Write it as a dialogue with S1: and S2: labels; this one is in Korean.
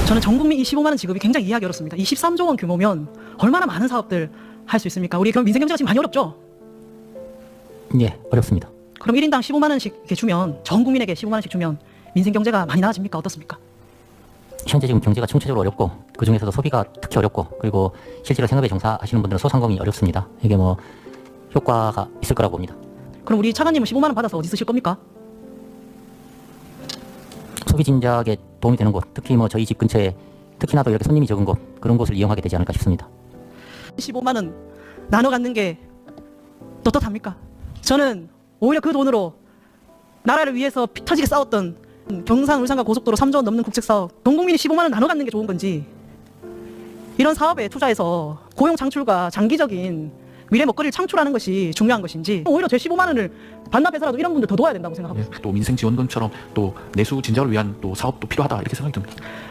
S1: 저는 전 국민 이 15만 원 지급이 굉장히 이해하기 어렵습니다. 23조 원 규모면 얼마나 많은 사업들 할 수 있습니까? 우리 그럼 민생 경제가 지금 많이 어렵죠?
S2: 예, 어렵습니다.
S1: 그럼 1인당 15만 원씩 이렇게 주면 전 국민에게 15만 원씩 주면 민생 경제가 많이 나아집니까? 어떻습니까?
S2: 현재 지금 경제가 총체적으로 어렵고 그중에서도 소비가 특히 어렵고 그리고 실제로 생업에 종사하시는 분들은 소상공인이 어렵습니다. 이게 뭐 효과가 있을 거라고 봅니다.
S1: 그럼 우리 차관님은 15만 원 받아서 어디 쓰실 겁니까?
S2: 소비 진작에 도움이 되는 곳, 특히 뭐 저희 집 근처에 특히나도 이렇게 손님이 적은 곳 그런 곳을 이용하게 되지 않을까 싶습니다.
S1: 15만 원 나눠 갖는 게 떳떳합니까? 저는 오히려 그 돈으로 나라를 위해서 피 터지게 싸웠던 경상 울산과 고속도로 3조 원 넘는 국책사업 전 국민이 15만 원 나눠 갖는 게 좋은 건지 이런 사업에 투자해서 고용 창출과 장기적인 미래 먹거리를 창출하는 것이 중요한 것인지 오히려 제 15만 원을 반납해서라도 이런 분들 더 도와야 된다고 생각합니다.
S3: 또 민생 지원금처럼 또 내수 진작을 위한 또 사업도 필요하다 이렇게 생각이 듭니다.